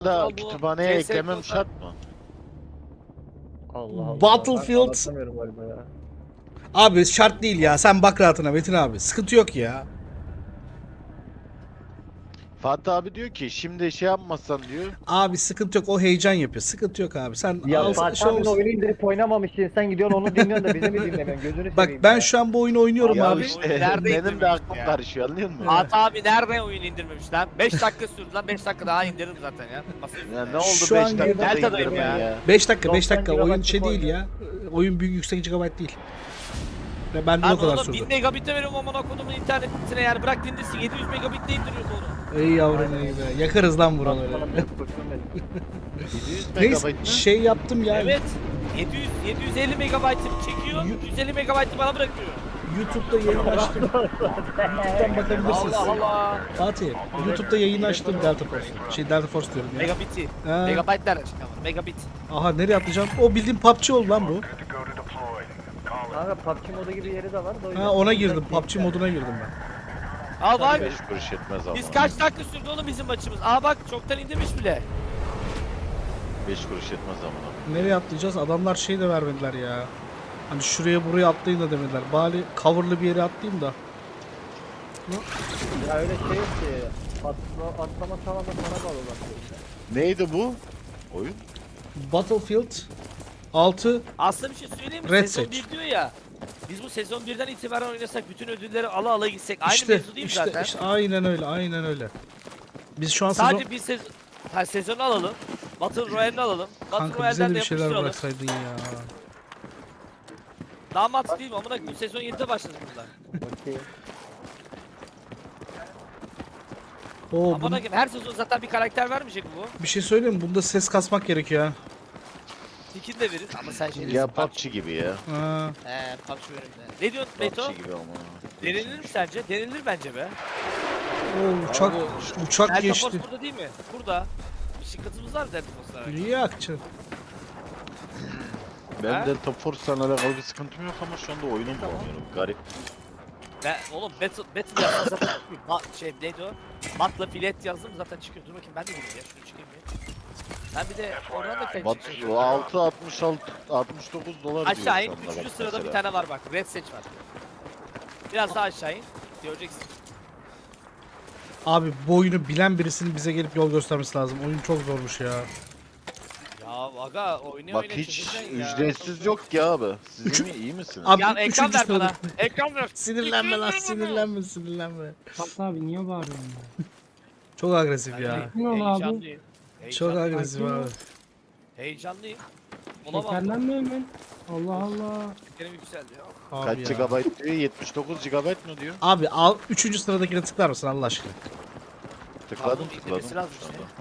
da Bu kütüphaneye CS:GO eklemem şart mı? Allah Allah. Battlefield- Ben anlatamıyorum galiba ya. Abi şart değil ya. Sen bak rahatına Metin abi. Sıkıntı yok ya. Fatih abi diyor ki şimdi şey yapmazsan diyor. Abi sıkıntı yok. O heyecan yapıyor. Sıkıntı yok abi. Sen Ya al, Fatih şey abinin olsun. oyunu indirip oynamamışsın. Sen gidiyorsun onu dinliyorsun da bize mi dinlemiyorsun? Gözünü Bak seveyim ben ya. şu an bu oyunu oynuyorum Ya abi. işte Nerede benim de indirmiş aklım ya? karışıyor anlıyor musun? Fatih abi nerede oyun indirmemiş lan? 5 dakika sürdü lan, 5 dakika daha indirdim zaten ya. Ya ne oldu Şu 5 an dakikada Delta'dayım indirmen ya. ya. 5 dakika 5 90 dakika. Oyun gigabaytlık şey değil oyun. ya. Oyun büyük yüksek gigabyte değil. Ve bende de Lan o kadar oğlum sürdü. 1000 megabit'e veriyorum amına kodumun internetine, yani bırak dinlesin, 700 megabit'te indiriyordu onu. Ey yavrum ey be. Yakarız lan buraları. Bana biraz kurşun verin. 700 Neyse megabayt mı? şey yaptım ya. Evet. 750 megabayt'ı çekiyor, 150 megabayt'ı bana bırakıyor. YouTube'da yayın açtım. YouTube'dan bakabilirsiniz. Allah Allah. Fatih, YouTube'da yayın açtım Delta Force. Şey Delta Force diyorum ya. Megabit'i. Ha. Megabayt'lar çıkamam. Megabit. Aha nereye atlayacağım? O bildiğin PUBG oldu lan bu. Kanka PUBG modu gibi yeri de var da o yüzden. Ha ona girdim. PUBG moduna girdim ben. Al bak. 5 kuruş etmez ama. Biz kaç dakika sürdü oğlum bizim maçımız? Aa bak çoktan indirmiş bile. 5 kuruş etmez ama. Nereye atlayacağız? Adamlar şey de vermediler ya. Hani şuraya buraya atlayın da demediler. Bari coverlı bir yere atlayayım da. Ya öyle şey yok ki. Atlama falan da sana bağlı bak. Neydi bu? Oyun? Battlefield 6 Aslında bir şey söyleyeyim mi? Red Sezon Search. 1 diyor ya. Biz bu sezon 1'den itibaren oynasak, bütün ödülleri ala ala gitsek aynı işte mevzu değil mi işte, zaten? işte aynen öyle aynen öyle. Biz şu an Sadece sezon... bir sezon, sezonu alalım. Battle Royale'ini alalım. Battle Kanka bize Royale'den de de bir şeyler yapıştıralım. bıraksaydın ya. Daha mantıklı değil mi? Amına koyayım, sezon 7'de başladık bunlar. Okey. Oo, Amına koyayım, her sezon zaten bir karakter vermeyecek mi bu? bir şey söyleyeyim mi? Bunda ses kasmak gerekiyor ha. Skin de verir ama sen şey Ya PUBG gibi ya. Ha. PUBG verir. Ne diyorsun Beto? PUBG gibi ama. Denilir mi sence? Denilir bence be. Oo, uçak uçak Delta geçti. Force burada değil mi? Burada. Bir şıkkatımız var Delta Force'lara. İyi akçı. Ben Ha? Delta Force'la alakalı bir sıkıntım yok ama şu anda oyunu bulamıyorum. Garip. Oğlum Battle yazsam zaten şey neydi o? Battle Filet yazdım zaten çıkıyor. Dur bakayım ben de gireyim ya. Şunu çıkayım bir. Ben bir de oradan da kayıp Bat çıkacağım. 69 dolar diyor Aşağı in. şu anda 3. bak sırada bir mesela. tane var bak. Red Search var. Biraz daha aşağı in. Göreceksin. Abi bu oyunu bilen birisinin bize gelip yol göstermesi lazım. Oyun çok zormuş ya. Ya aga oynuyor Bak oynuyor. hiç çekeceksin ya. ücretsiz yok ki abi. Siz Üç- mi iyi misiniz? Abi Ya ekran üçüncü ver bana. sırada. Ekran ver. Sinirlenme lan sinirlenme sinirlenme. Fatih abi niye bağırıyorsun ya? Çok agresif ya. Ne oldu abi? Heyecanlıyım. Çok Heyecanlıyım. agresif abi. Heyecanlıyım. Olamam. Şekerlenme hemen. Allah Allah. Şekerim yükseldi ya. Abi Kaç ya. GB diyor? 79 GB mı diyor? Abi al 3. sıradakine tıklar mısın Allah aşkına? Tıkladım Pardon, tıkladım. indirmesi lazım şu işte. anda.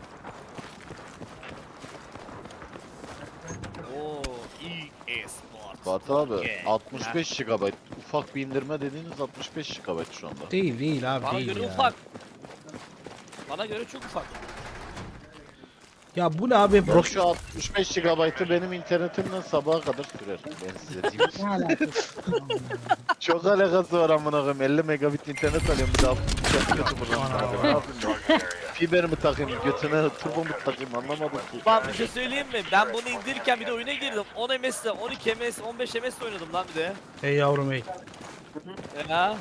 Oo, e-sport. Fatih abi Yeah. 65 GB. Ufak bir indirme dediğiniz 65 GB şu anda. Değil abi Bana değil göre ya. ufak. Bana göre çok ufak. Ya bu ne abi? Ya şu 65 GB'ı benim internetimden sabaha kadar sürer. Ben size diyeyim. Ne alakası? Çok alakası var amına koyayım. 50 megabit internet alıyorum bir daha kötü buradan. Ne yapayım ya? Fiber mi takayım götüne turbo mu takayım anlamadım ki. Bak bir şey söyleyeyim mi? Ben bunu indirirken bir de oyuna girdim. 10 MS'le, 12 MS, 15 MS oynadım lan bir de. Hey yavrum hey. Ya.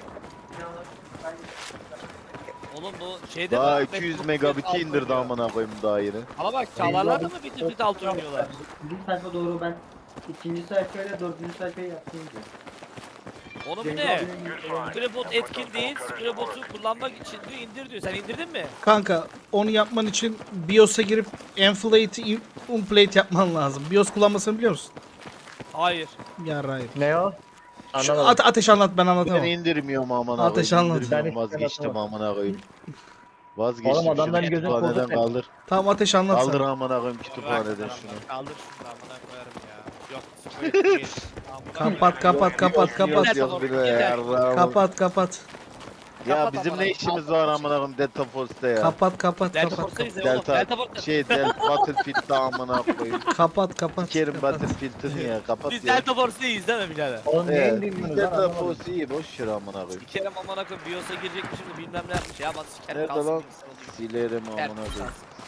Oğlum bu şeyde Daha mi? 200 megabit'i indirdi amına koyayım daha yeni. Ama bak çağlarlar da mı Battlefield 6 oynuyorlar? Bir sayfa doğru ben ikinci sayfayla dördüncü sayfayı yaptım diyor. Onu bu ne? Scrapbot etkin değil. Scrapbot'u kullanmak için diyor indir diyor. Sen indirdin mi? Kanka onu yapman için BIOS'a girip Enflate'i Unplate yapman lazım. BIOS kullanmasını biliyor musun? Hayır. Ya hayır. Ne o? Şu Anlamadım. ateş anlat ben Ben anlatamam. indirmiyorum amına Ateş koyayım. anlat. İndirmiyorum, Ben hiç vazgeçtim anlatamam. amına koyayım. Vazgeçtim. Oğlum adamların şunu gözü kütüphaneden korkut. kaldır. Tamam ateş anlat Kaldır sen. amına koyayım Bırak kütüphaneden lan, şunu. kaldır şunu amına koyarım ya. Yok. bu değil. Amına Kapat koyarım. kapat kapat kapat. Yok bir de yarrağım. Kapat kapat. Ya Kapat bizim amına ne işimiz var amına koyayım Delta Force'da ya. Kapat kapat Delta kapat. Force'dayız ya oğlum. Delta Delta Force. Battlefield'da amına koyayım. Kapat kapat. Sikerim Battlefield'ini ya kapat Biz ya. Delta Force'dayız değil mi birader? Oğlum ne Evet, indirmiyorsunuz lan Delta anlamadım. Force iyi boş ver amına koyayım. Bir kere amına koyayım BIOS'a girecekmişim de bilmem ne yapmış ya. Bak sikerim Nerede kalsın. lan? gitsin oğlum. Silerim amına Sikerim koyayım. kalsın.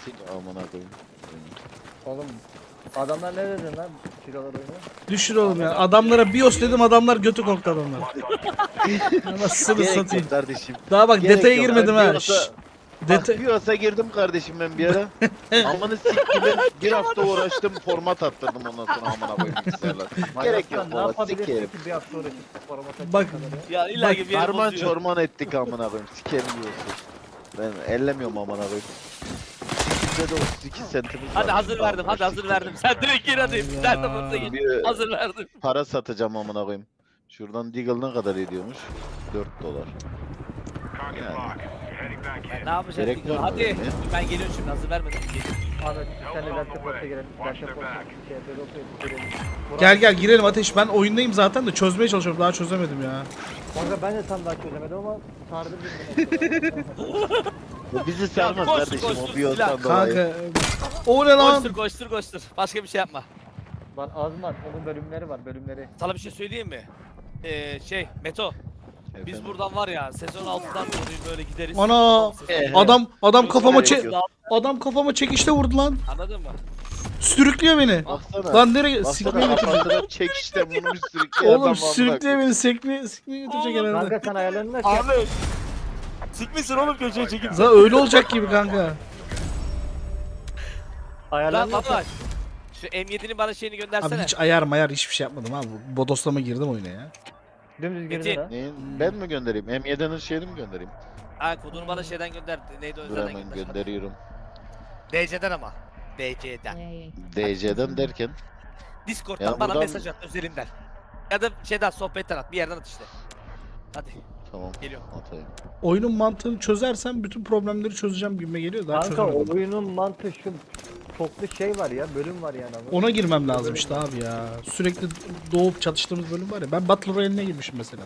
Sil amına koyayım. Oğlum adamlar ne dedin lan? Kilolar oynuyor. Düşür oğlum ya. Adamlara BIOS dedim, adamlar götü korktu adamlar. Nasıl Gerek satayım. yok kardeşim. Daha bak Gerek detaya yok. girmedim Ben ha. BIOS'a- Şşş. Bak Detay. BIOS'a girdim kardeşim ben bir ara. Amanı siktim. Bir hafta uğraştım format attırdım ondan sonra amına koyayım bilgisayarlar. Gerek yok Ne baba yapabilirsin sikerim. ki bir hafta uğraşıp format açacak Bak- kadar ya? Ya illa ki bir yeri Harman bozuyor. çorman ettik amına koyayım. Sikerim diyorsun. Ben ellemiyorum amına koyayım. Bizde de 32 sentimiz var. Hadi hazır verdim, hadi hazır verdim. Sen direkt gir hadi. Sen de Allah. fırsa gir. Bir Hazır verdim. para satacağım amına koyayım. Şuradan Deagle ne kadar ediyormuş? 4 dolar. Yani Ne yapacağız? Gerek var mı Hadi. öyle? Ben geliyorum şimdi hazır vermedim. Ahmet sen de Delta girelim. Delta şey girelim. Gel gel girelim Ateş. Ben oyundayım zaten de çözmeye çalışıyorum. Daha çözemedim ya. Kanka ben de tam daha çözemedim ama sardı birbirine. bu bizi sarmaz koş, kardeşim koş, o sus, BIOS'tan silah. dolayı. Kanka. O ne lan? Koştur koştur koştur. Başka bir şey yapma. Lan Azman onun bölümleri var bölümleri. Sana bir şey söyleyeyim mi? Meto. Biz Efendim? buradan var ya sezon 6'dan dolayı böyle gideriz. Ana! Sezon- Adam kafama Gerek yok. adam kafama çekişte vurdu lan. Anladın mı? Sürüklüyor beni. Baksana. Lan nereye? Baksana Sikmeye götürecek. kafasına çek işte bunu bir sürükleyen adam Oğlum amına sürüklüyor koyayım. beni. Sikmeye götürecek herhalde. Kanka sen ayarlarını aç. Abi. Sikmişsin oğlum köşeye çekip. Zaten öyle olacak gibi kanka. Lan Ayarlarını aç. baba. Şu M7'nin bana şeyini Abi göndersene. hiç ayar mayar hiçbir şey yapmadım abi. Bodoslama girdim oyuna ya. Dümdüz girdin Metin. ha. Neyin? Ben mi göndereyim? M7'nin şeyini mi göndereyim? Ha kodunu bana şeyden gönder. Neydi o Dur özelden hemen gönder. gönderiyorum. DC'den ama. DC'den. DC'den derken Discord'dan Ya bana buradan- mesaj at özelinden. Ya da şeyden sohbetten at. Bir yerden at işte. Hadi tamam geliyorum. atayım. Oyunun mantığını çözersem bütün problemleri çözeceğim gibime geliyor. Daha Kanka çözemedim. oyunun mantığı şu çoklu şey var ya bölüm var yani. Ona girmem lazım işte abi ya. Sürekli doğup çatıştığımız bölüm var ya. Ben Battle Royale'ine girmişim mesela.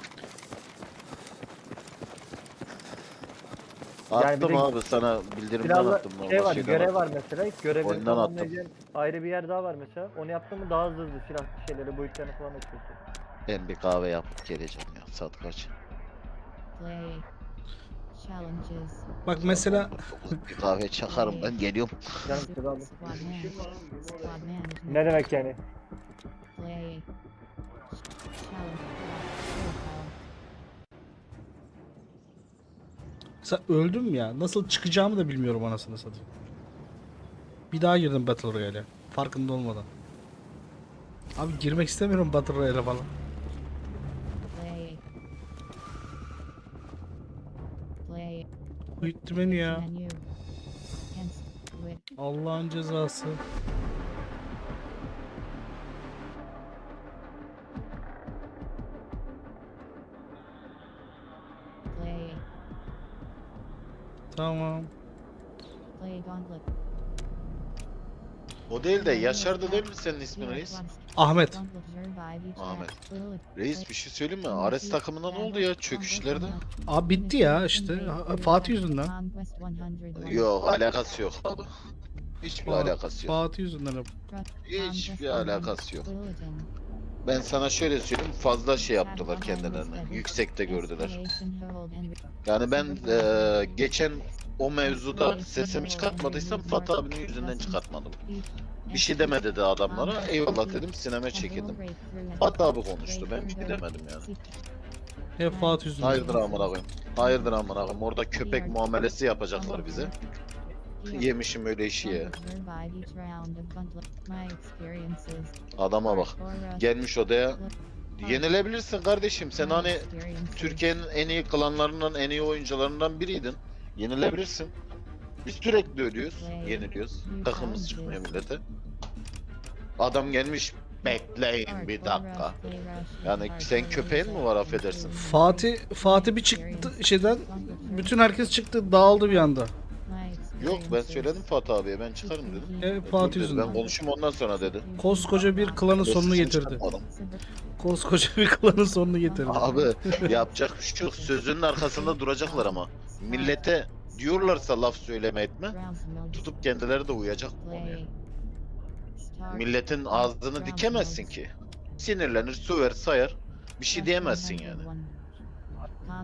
Yani bir Attım de abi sana bildirimden Silahla attım. şey var şeyden görev attım. var mesela. Görevleri Oyundan attım. tamamlayacağın ayrı bir yer daha var mesela. Onu yaptın mı daha hızlı silah şeyleri boyutlarını falan açıyorsun. Ben bir kahve yapıp geleceğim ya. Saat kaç? Bak mesela Bir kahve çakarım ben geliyorum. Canım silah aldım. Ne demek yani? sen öldüm ya. Nasıl çıkacağımı da bilmiyorum anasını satayım. Bir daha girdim Battle Royale'e. Farkında olmadan. Abi girmek istemiyorum Battle Royale'e falan. Uyuttu beni ya. Allah'ın cezası. Tamam. O değil de Yaşar'da değil mi senin ismin reis? Ahmet. Ahmet. Reis bir şey söyleyeyim mi? Ares takımına ne oldu ya çöküşlerde? Abi bitti ya işte. Fatih yüzünden. Yok alakası yok abi. Hiçbir alakası yok. Fatih yüzünden hep. Hiçbir alakası yok. Ben sana şöyle söyleyeyim fazla şey yaptılar kendilerine. Yüksekte gördüler. Yani ben geçen o mevzuda sesimi çıkartmadıysam Fatih abinin yüzünden çıkartmadım. Bir şey demedi de adamlara. Eyvallah dedim sineme çekildim. Fatih abi konuştu ben bir şey demedim yani. Hep Fatih yüzünden. Hayırdır amına koyayım. Hayırdır amına koyayım. Orada köpek muamelesi yapacaklar bize. Yemişim öyle işi ya. Adama bak. Gelmiş odaya. Yenilebilirsin kardeşim. Sen hani Türkiye'nin en iyi klanlarından, en iyi oyuncularından biriydin. Yenilebilirsin. Biz sürekli ölüyoruz, yeniliyoruz. Takımımız çıkmıyor millete. Adam gelmiş, bekleyin bir dakika. Yani sen köpeğin mi var affedersin? Fatih bir çıktı şeyden. Bütün herkes çıktı, dağıldı bir anda. Yok ben söyledim Fatih abiye ben çıkarım dedim. Fatih Dur dedi, yüzünden. ben konuşayım ondan sonra dedi. Koskoca bir klanın sonunu Sesini getirdi. çıkartmadım. Koskoca bir klanın sonunu getirdi. Abi yapacak bir şey yok. Sözünün arkasında duracaklar ama. Millete diyorlarsa laf söyleme etme. Tutup kendileri de uyacak bu konuya. Milletin ağzını dikemezsin ki. Sinirlenir, söver, sayar. Bir şey diyemezsin yani.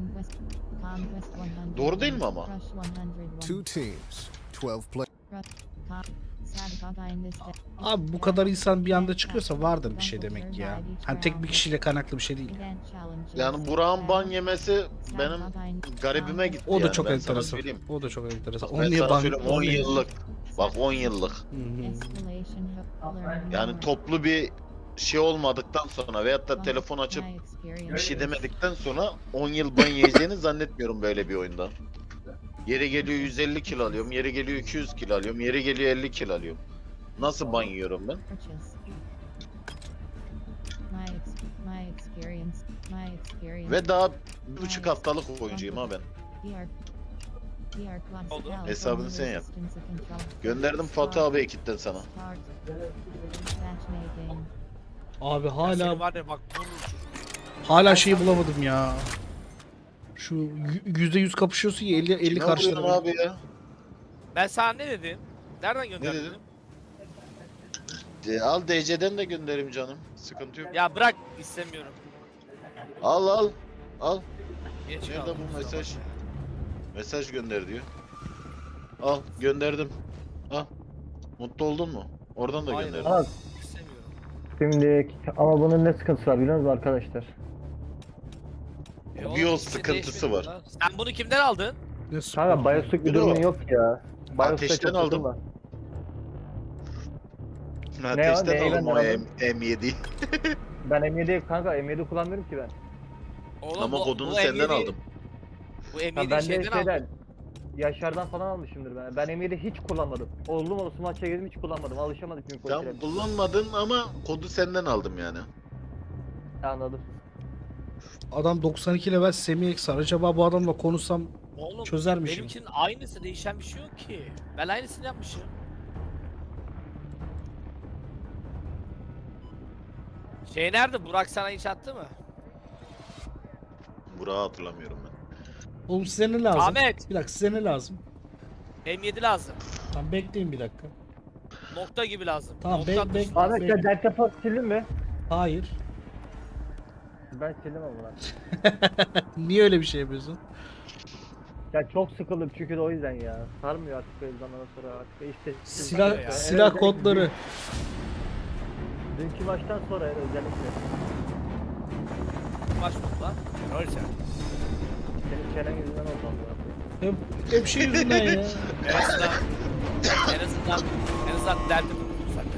Doğru değil mi ama? Two teams, 12 players. Abi bu kadar insan bir anda çıkıyorsa vardır bir şey demek ki ya. Hani tek bir kişiyle kaynaklı bir şey değil. Yani Burak'ın ban yemesi benim garibime gitti. O da yani, çok ben sana enteresan. söyleyeyim. O da çok enteresan. Ben Onu niye sana ban... söyleyeyim, onu 10 niye- yıllık. Bak 10 yıllık. Hı hı. Yani toplu bir şey olmadıktan sonra veyahut da telefon açıp bir şey demedikten sonra 10 yıl ban yiyeceğini zannetmiyorum böyle bir oyunda. Yeri geliyor 150 kilo alıyorum, yeri geliyor 200 kilo alıyorum, yeri geliyor 50 kilo alıyorum. Nasıl ban yiyorum ben? Ve daha 1,5 haftalık oyuncuyum ha ben. Oldu. Hesabını sen yap. Gönderdim Fatih abi ekipten sana. Abi Ya hala senin var ya bak vurur. hala şeyi bulamadım ya. Şu %100 kapışıyorsun ya 50 Kime karşıları. vuruyorsun abi ya? Ben sana ne dedim? Nereden gönderdin? dedin? Al DC'den de gönderim canım. Sıkıntı yok. Ya bırak istemiyorum. Al al. Al. Geç Nerede kaldım, bu kusura mesaj? bakma. Mesaj gönder diyor. Al gönderdim. Al. Mutlu oldun mu? Oradan da Hayır, gönderdim. Al. İstemiyorum. Şimdi ama bunun ne sıkıntısı var biliyor musunuz arkadaşlar? Oğlum, Bir yol hiçbir şey sıkıntısı değişmedi var. lan. Sen bunu kimden aldın? Ne Kanka Bioshock bir Bir de o. durumun yok ya. Bioshock'ta Ateşten çok aldım. takılma. Ateşten Neyi aldım ben o aldım? M7'yi. Ben M7 kanka M7 kullanmıyorum ki ben. Oğlum, Ama bu- kodunu bu senden M7 aldım. Bu Ha, M7'yi ben de şeyden şeyden aldım. Yaşar'dan falan almışımdır ben. Ben M7 hiç kullanmadım. Oğlum olsun maça girdim hiç kullanmadım. Alışamadık çünkü Sen kontrole. kullanmadın ama kodu senden aldım yani. Anladım. Adam 92 level Semih Eksar. Acaba bu adamla konuşsam Oğlum çözermişim. benimkinin aynısı, değişen bir şey yok ki. Ben aynısını yapmışım. Şey nerede? Burak sana hiç attı mı? Burak'ı hatırlamıyorum ben. Oğlum size ne lazım? Ahmet! Bir dakika size ne lazım? M7 lazım. Tamam bekleyin bir dakika. Nokta gibi lazım. Tamam, Nokta bek- atmış. bek- Ahmet Peki. sen Delta Force sildin mi? Hayır. Ben sildim ama lan. Niye öyle bir şey yapıyorsun? Ya çok sıkıldım çünkü de o yüzden ya. Sarmıyor artık böyle zamandan sonra artık işte. Silah ya. silah özellikle kodları. Dünkü maçtan sonra özellikle. Baş mı lan? Öyle sen. Senin çenen yüzünden oldu abi. Hep şey yüzünden ya. En azından en azından derdim zaten.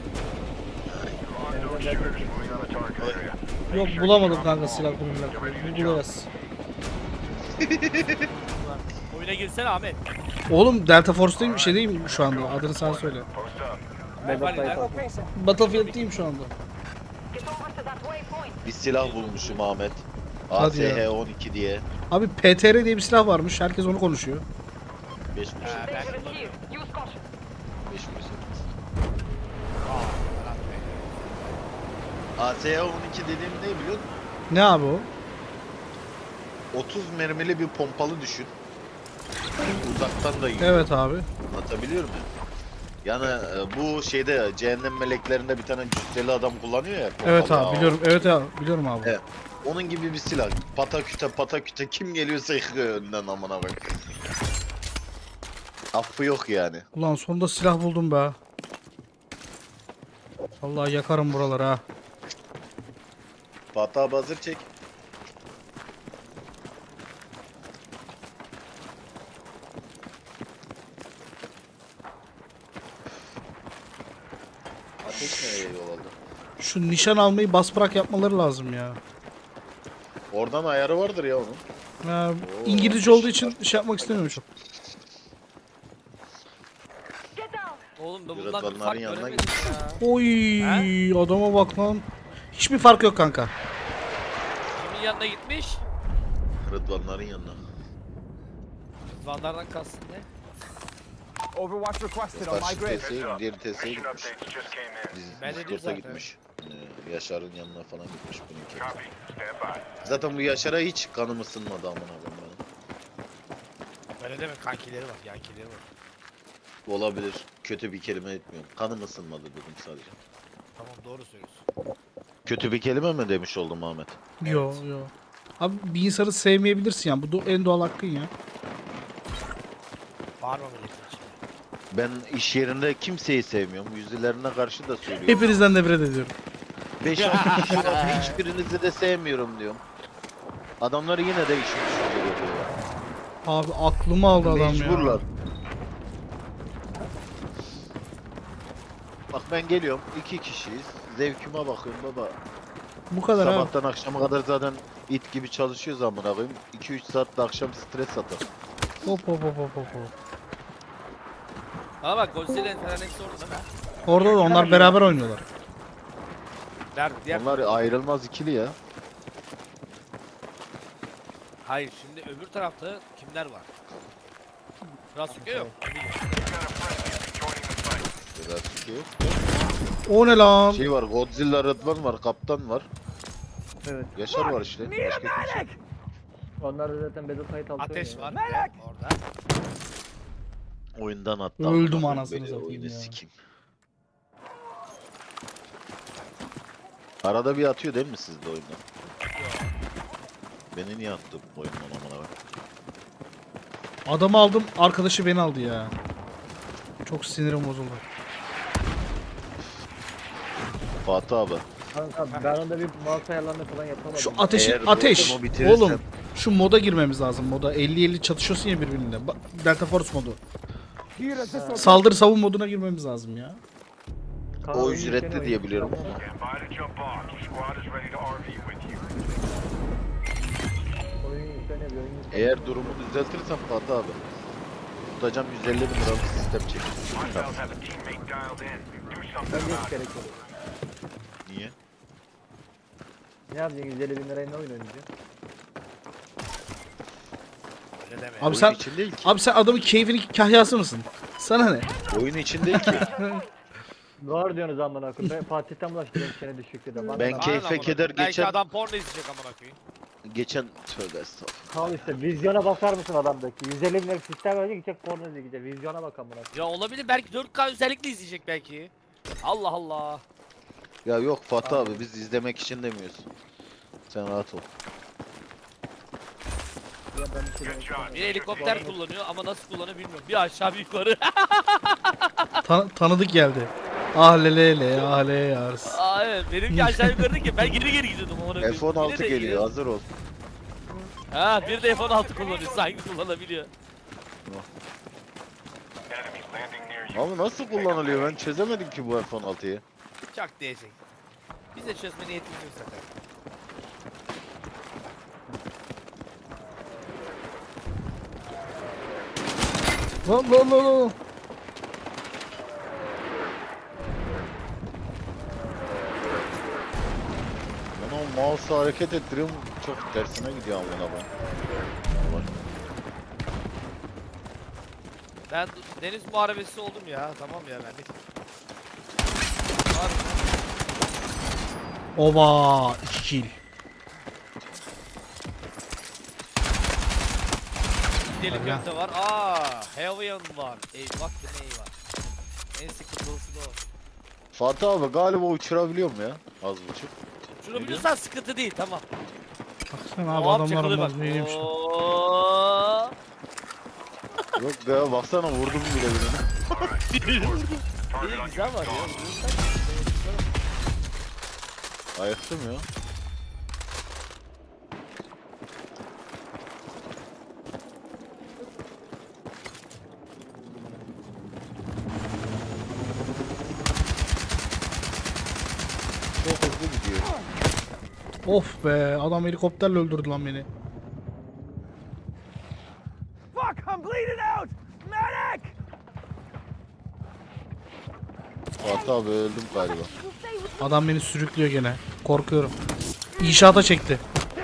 Yok bulamadım kanka silah kodunu. Bu bulacağız. Oyuna girsene Ahmet. Oğlum Delta Force'dayım şey değil mi şu anda? Adını sen söyle. Valiler. Battlefield'deyim şu anda. Bir silah bulmuşum Ahmet. Hadi ya. ASH-12 diye. Abi PTR diye bir silah varmış. Herkes onu konuşuyor. 5 Ha, ben kullanıyorum. 5 Aa, Ferhat Bey. ASH-12 dediğim ne biliyor musun? Ne abi o? 30 mermili bir pompalı düşün. Uzaktan da yiyor. Evet abi. Anlatabiliyor muyum? Yani bu şeyde cehennem meleklerinde bir tane cüsseli adam kullanıyor ya. Evet pompalı. abi biliyorum. Evet abi biliyorum abi. Evet. Onun gibi bir silah. Pataküte kim geliyorsa yıkıyor önden amına bak. Affı yok yani. Ulan sonunda silah buldum be. Vallahi yakarım buraları ha. Fatih abi hazır çek. Ateş nereye yol aldı? Şu nişan almayı bas bırak yapmaları lazım ya. Oradan ayarı vardır ya onun. Ha, Oo, İngilizce olduğu için şey yapmak istemiyorum çok. Oğlum ben bundan Yönetmenlerin bir fark yanına göremedim ya. Oy adama bak lan. Hiçbir fark yok kanka. Kimin yanına gitmiş? Rıdvanların yanına. Rıdvanlardan kastın ne? Overwatch requested on my Karşı grid. TS'ye diğer TS'ye gitmiş. Ben de diyorum Discord'a zaten. gitmiş. Yaşar'ın yanına falan gitmiş bununki. Zaten bu Yaşar'a hiç kanım ısınmadı amına koyayım benim. Öyle deme, kankileri var, yankileri var. Olabilir. Kötü bir kelime etmiyorum. Kanım ısınmadı dedim sadece. Tamam, doğru söylüyorsun. Kötü bir kelime mi demiş oldum Ahmet? Yo yo. Abi bir insanı sevmeyebilirsin yani. Bu en doğal hakkın ya. Bağırma milletin içine. Ben iş yerinde kimseyi sevmiyorum. Yüzlerine karşı da söylüyorum. Hepinizden nefret ediyorum. 5-6 kişi var. Hiçbirinizi de sevmiyorum diyorum. Adamlar yine de işin içine geliyor. Abi aklımı aldı adam ya. Mecburlar. Bak ben geliyorum. 2 kişiyiz. Zevkime bakıyorum baba. Bu kadar abi. Sabahtan akşama kadar zaten it gibi çalışıyoruz amına koyayım. 2-3 saat de akşam stres atar. Hop hop hop hop hop. Ama bak Godzilla falan hepsi orada değil mi? Orada da onlar beraber oynuyorlar. Nerede? Diğer... Onlar ayrılmaz ikili ya. Hayır şimdi öbür tarafta kimler var? Rasuke yok. Biraz yok. O ne lan? Şey var, Godzilla Rıdvan var, Kaptan var. Evet. Yaşar var işte. Başka kimse. Onlar da zaten Battlefield altı Ateş oynuyor. var bir de orada. Oyundan attı. Öldüm amına anasını koyayım, satayım oyunu ya. sikeyim. Arada bir atıyor değil mi sizde oyundan? Beni niye attı bu oyundan amına koyayım? Adamı aldım, arkadaşı beni aldı ya. Çok sinirim bozuldu. Fatih abi. Kanka ben onda bir mouse ayarlarını falan yapamadım. Şu ateş, Eğer ateş. bunu bitirirsem- Oğlum, şu moda girmemiz lazım. Moda 50-50 çatışıyorsun ya birbirine. Bak, Delta Force modu. Here, this will Saldırı savun moduna girmemiz lazım ya. Kanka O oyun yüklerini ücretli diye oynuyor. biliyorum ama. Oyun yükleniyor, bir oyun yükleniyor. Eğer durumu düzeltirsem Fatih abi. Tutacağım 150 bin liralık sistem çekeceğim. Bence hiç gerek yok. Niye? Ne yapacaksın 150 bin liraya ne oyun oynayacaksın? Öyle deme. Abi Oyun sen için değil ki. abi sen adamın keyfini kahyası mısın? Sana ne? Oyun için değil ki. Var diyorsunuz amına koyayım. Ben Fatih'ten bulaştırıyorum seni düşüklü de. Bana Ben ne? keyfe Aynen keder amına. Belki geçen- adam porno izleyecek amına koyayım. Geçen tövbe estağfurullah. Kal işte vizyona bakar mısın adamdaki? 150 bin liralık sistem verecek gidecek porno izleyecek. Vizyona bak amına koyayım. Ya olabilir belki 4K özellikle izleyecek belki. Allah Allah. Ya yok Fatih abi biz izlemek için demiyoruz. Sen rahat ol. Ya ben bir şey demek istemiyorum. Bir helikopter kullanıyor ama nasıl kullanıyor bilmiyorum. Bir aşağı bir yukarı. Tanıdık geldi. Ah lele ah le yars. Aa evet benimki aşağı yukarı değil ki ben geri geri gidiyordum amına koyayım. F16 Yine de geliyor yine- hazır ol. Ha bir de F16 kullanıyor sanki kullanabiliyor. Ama nasıl kullanılıyor ben çözemedim ki bu F16'yı. Çak diyecek. Biz de çözme niyetimiz yok zaten. Lan lan lan lan. Ben o mouse'u hareket ettiriyorum çok tersine gidiyor amına ben. Ben deniz muharebesi oldum ya tamam ya ben de. Var mı? Oba 2 kill. Deli Aynen. köfte var. Aa, Heaven var. Eyvah ki ne var. En sıkıntılısı da o. Fatih abi galiba uçurabiliyorum ya az buçuk. Şunu biliyorsan sıkıntı değil tamam. Baksana abi Hop, adamlar çakılıyor bak. olmaz neymiş. Oo. Yok ya baksana vurdum bile birine. İyi güzel var ya. Ayıktım ya. Çok hızlı gidiyor. Of be adam helikopterle öldürdü lan beni. Fuck, I'm bleeding out! Medic! Fatih abi öldüm galiba. Adam beni sürüklüyor gene. Korkuyorum. İnşaata çekti.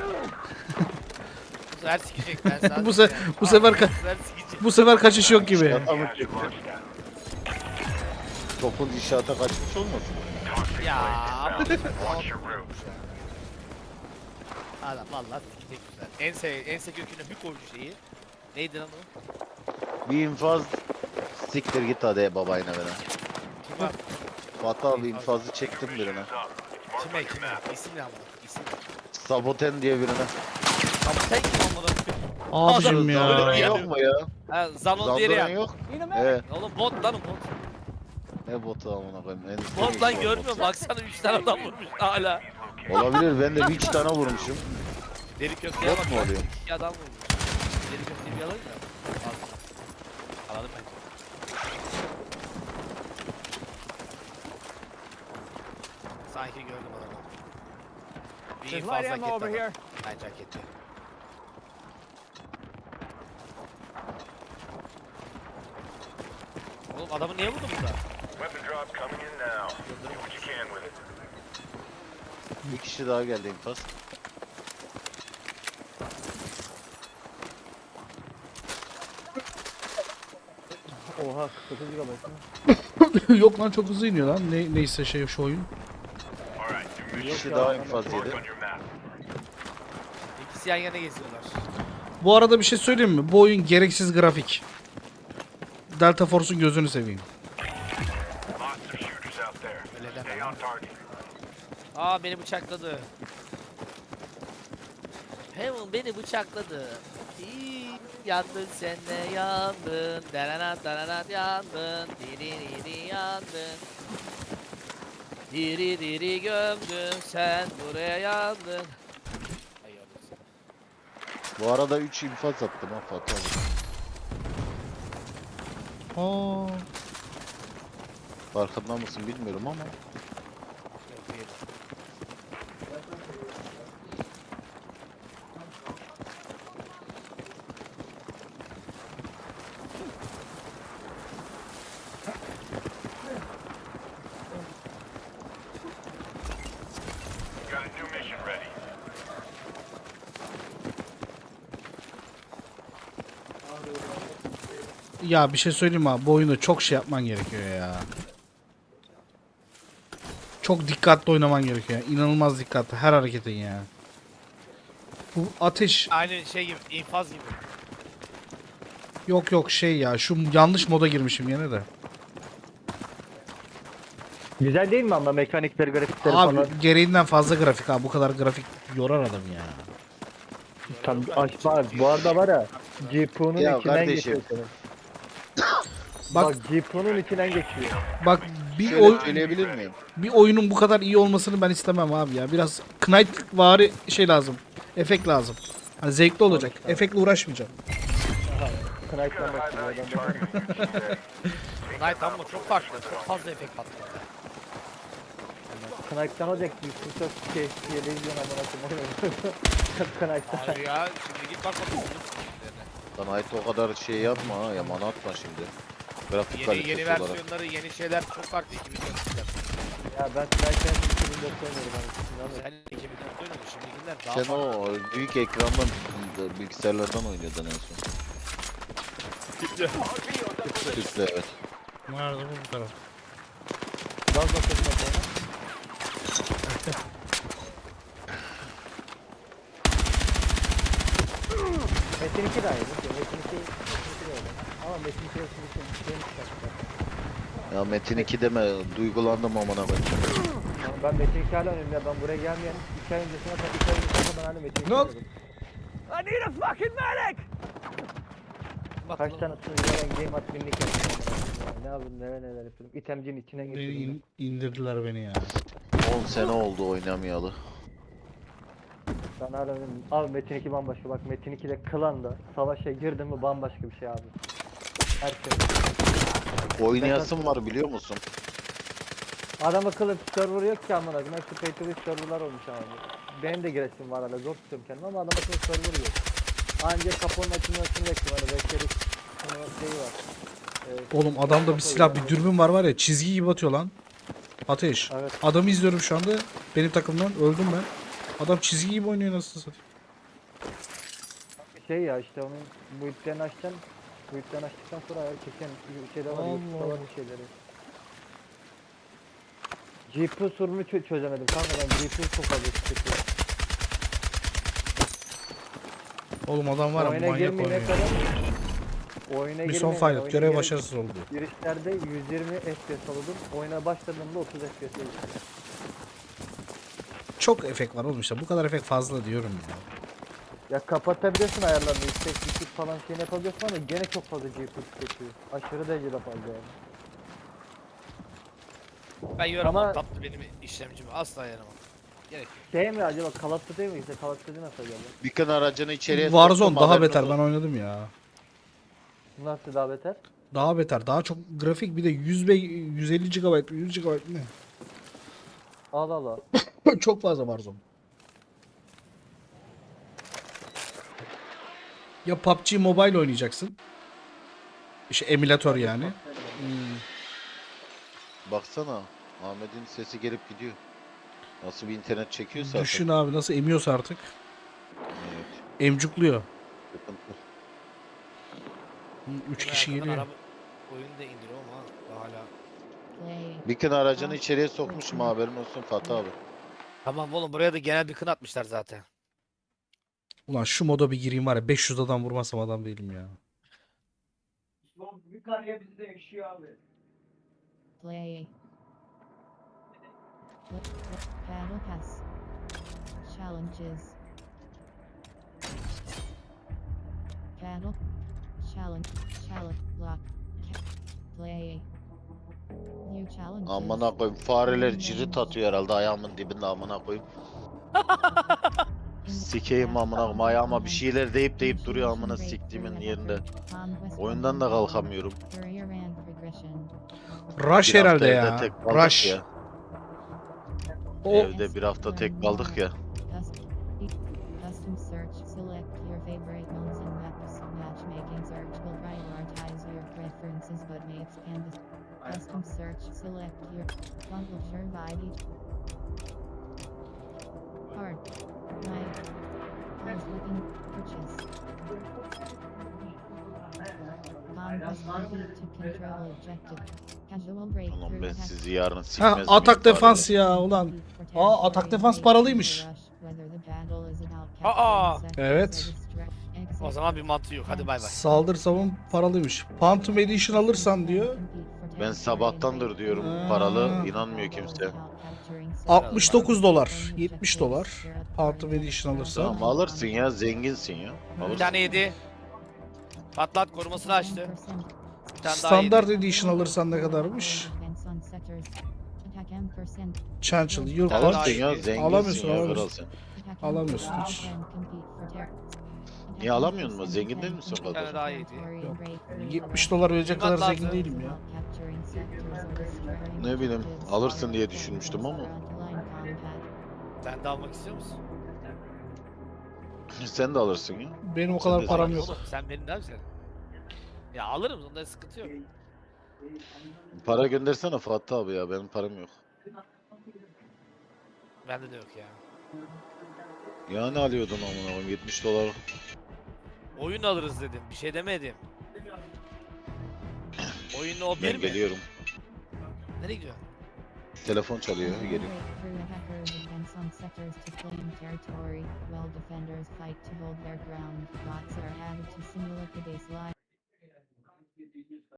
Bu sefer sikecek ben sana. Bu söyleyeyim. bu sefer Bu sefer sikecek. bu sefer kaçış yok gibi. Adamı çekti. Topun inşaata kaçmış olmasın? Ya. ama- Adam vallahi sikecek güzel. Ense köküne bir koydu şeyi. Neydi lan o? Bir infaz siktir git hadi babayına bana. Kime? Fatih abi infazı çektim birine. Kime? İsim ne ama? İsim. Saboten diye birine. Ama sen kim amına koyayım? Abicim Adam- ya. Öyle yok mu ya? Ha, Zanon diğeri Zandoran ya. yok. Need a medic. Evet. Oğlum bot lan o bot. Ne botu amına koyayım. En Bot lan görmüyor musun? Baksana 3 tane adam vurmuş hala. Olabilir, ben de bir iki tane vurmuşum. Deri köfteye Bot bak. mu lan, oluyor? 2 adam vurmuş. Deri köfteyi bir alayım da. Alalım bence. Sanki gördüm adamı. Bir There's infaz light hak ammo over etti here. adam. Bence hak etti. Oğlum adamı niye vurdun burada? Weapon drop coming in now. Do what you can with it. Bir kişi daha geldi infaz. Oha 49 GB mı? Yok lan çok hızlı iniyor lan. Neyse şey şu oyun. All right, new Bir mission kişi ya, daha ama infaz marked yedi. on your map. İkisi yan yana geziyorlar. Bu arada bir şey söyleyeyim mi? Bu oyun gereksiz grafik. Delta Force'un gözünü seveyim. Lots of shooters out there. Öyle deme. Stay on target. Aa beni bıçakladı. Heaven beni bıçakladı. İyi, yandın sen de yandın. Daranat daranat yandın. Diri diri yandın. Diri diri gömdün. Sen buraya yandın. Ay yavrum. Bu arada 3 infaz attım ha Fatih abi. Aa. Farkında mısın bilmiyorum ama. Yok, değil. Got a new mission ready. Ya bir şey söyleyeyim mi abi? Bu oyunda çok şey yapman gerekiyor ya. Çok dikkatli oynaman gerekiyor ya. İnanılmaz dikkatli her hareketin ya. Bu ateş Aynı şey gibi, infaz gibi. yok şey ya. Şu yanlış moda girmişim yine de. Güzel değil mi ama mekanikleri, grafikleri Abi falan? gereğinden fazla grafik abi. Bu kadar grafik yorar adam ya. Tam bak bu arada var ya GPU'nun Ya içinden kardeşim. geçiyor senin. Bak Bak GPU'nun içinden geçiyor. bak bir Şöyle söyleyebilir miyim? bir oyunun bu kadar iyi olmasını ben istemem abi ya. Biraz Knight vari şey lazım. Efekt lazım. Hani zevkli olacak. Efektle uğraşmayacağım. Knight'tan High başlıyor value adam. target in your today. Night ama çok farklı. Çok fazla efekt patladı. Knight'tan olacak. Yusuf şey televizyon amına koyayım. Knight'tan. Hayır ya, şimdi git bak bakalım. Sana ait o kadar şey yapma ha, yaman atma şimdi. Grafik Yeni kalitesi olarak. versiyonları, yeni şeyler çok farklı. 2004'ler. Ya ben Knight'tan 2004'te oynuyorum abi. Sen 2004'te oynadın, şimdikiler daha Sen farklı. o büyük ekrandan bilgisayarlardan oynuyordun en son. Tüple evet. Nerede bu taraf? Gaz bakıyorum bak Metin 2 daha iyi. Metin 2 de öyle. Ama Metin 2'ye şimdi şeyini çıkarttılar. Ya Metin 2 deme, duygulandım amına koyayım. Ama ben Metin 2 hala oynuyorum ya. Ben buraya gelmeyen 2 ay öncesine kadar 2 ay öncesine ben hala Metin 2 Ne oldu? oynuyordum. I need a fucking medic. Kaç tane sunucuya game at binlik yaptım. Ne yapayım neler yapıyorum. İtemcinin içine geçirdim. İndirdiler beni ya. 10 sene oldu oynamayalı. Ben hala oynuyorum. Abi Metin 2 bambaşka. Bak Metin 2'de klanda savaşa girdim mi bambaşka bir şey abi. Her şey. Oynayasın var biliyor musun? Adam akıllı server yok ki amına koyayım. Hepsi pay to win serverlar olmuş abi. Benim de giresim var hala zor tutuyorum kendimi ama adam akıllı server yok. Ancak kapının açılmasını bekliyorum hani bekleriz. Şeyi var. Oğlum adamda bir silah, bir dürbün var ya, çizgi gibi atıyor lan. Ateş. Evet. Adamı izliyorum şu anda. Benim takımdan öldüm ben. Adam çizgi gibi oynuyor, nasıl satayım. Şey ya işte onun build'lerini açacaksın. Build'lerini açtıktan sonra herkesin bir şeyde var. Allah YouTube'da var Allah. bir şeyleri. GPU sorunu çözemedim kanka ben GPU çok fazla sıkıntı. Oğlum adam var ya, Oyuna manyak girmeyene oynuyor. kadar oyuna Bir son girmeyene- fayda. oyuna Görev gir- başarısız oldu. Girişlerde 120 FPS alıyordum. Oyuna başladığımda 30 FPS'e geçtim. Çok efekt var oğlum işte. Bu kadar efekt fazla diyorum ya. Ya kapatabilirsin ayarlarını, yüksek düşük falan şeyini yapabilirsin ama gene çok fazla GPU tüketiyor. Aşırı derecede fazla yani. Ben yiyorum Ama- ama tatlı benim işlemcimi asla yaramam. Gerek yok. Şey mi acaba Call of Duty mi? İşte Call of Duty nasıl acaba? Beacon aracını içeriye Warzone soktum, daha haberiniz beter, ben olsun. oynadım ya. Nasıl daha beter? Daha beter, daha çok grafik, bir de 150 GB, 100 GB ne? Allah Allah. Çok fazla Warzone. Ya PUBG Mobile oynayacaksın. İşte emülatör yani. Baksana Ahmet'in sesi gelip gidiyor. Nasıl bir internet çekiyorsa Düşün artık. abi nasıl emiyorsa artık. Evet, Emcukluyor. sıkıntı. 3 Ben kişi arkadan geliyor. araba oyunu da indiriyorum ama daha hala. Beacon aracını içeriye sokmuşum, haberin olsun Fatih abi. Tamam oğlum, buraya da genel bir kın atmışlar zaten. Ulan şu moda bir gireyim var ya, 500 adam vurmasam adam değilim ya. Bir kariyer bizde yaşıyor abi. Play. Battle Pass. Challenges. Battle. Challenge. Lock. Play. New challenges. Amına koyayım, fareler cirit atıyor herhalde ayağımın dibinde, amına koyayım. Sikeyim amına koyayım, ayağıma bir şeyler deyip duruyor amına siktiğimin yerinde. Oyundan da kalkamıyorum. Rush Bir hafta herhalde evde ya. tek kaldık Rush. ya. O Evde bir hafta tek kaldık ya. Custom search. Select your favorite ones and maps. Matchmaking search will prioritize your preferences but may expand the custom search. Select your publisher by each card. Pause looking purchase. Conquest complete to control objective. Casual breakthrough. Ulan ben attack. sizi yarın Ha, sikmez atak miyim defans fareler? ya ulan. Aa, atak defans paralıymış. Aa, evet. O zaman bir mantığı yok. Hadi bay bay. Saldır savun paralıymış. Phantom Edition alırsan diyor. Ben sabahtandır diyorum paralı, inanmıyor kimse. 69 dolar. 70 dolar. Phantom Edition alırsan. Tamam alırsın ya, zenginsin ya. Bir Alırsın. tane yedi. Patlat, korumasını açtı. Bir tane daha Standart yedi. Edition alırsan ne kadarmış? Chancellor, Tamam, Yurt Alırsın daha var. iyi. ya, zenginsin Alamıyorsun, ya, alamıyorsun. kral sen. Alamıyorsun hiç. Niye alamıyorsun mu? Zengin değil misin Bir tane kadar? daha yedi. 70 dolar verecek kadar zengin değilim ya. Ne bileyim, alırsın diye düşünmüştüm ama. Sen de almak istiyor musun? Sen de alırsın ya. Benim o Sen kadar de param zengin. yok. Oğlum sen benim daha güzel. Ya alırım, onda sıkıntı yok. Para göndersene Fatih abi ya, benim param yok. Bende de yok ya. Ya ne alıyordun amına koyayım, 70 dolar. Oyun alırız dedim. Bir şey demedim. Oyunu o bir Ben mi? geliyorum. Nereye gidiyorsun? Telefon çalıyor, geliyorum. Some sectors to claim territory, while defenders fight to hold their ground. Bots are added to simulate the baseline.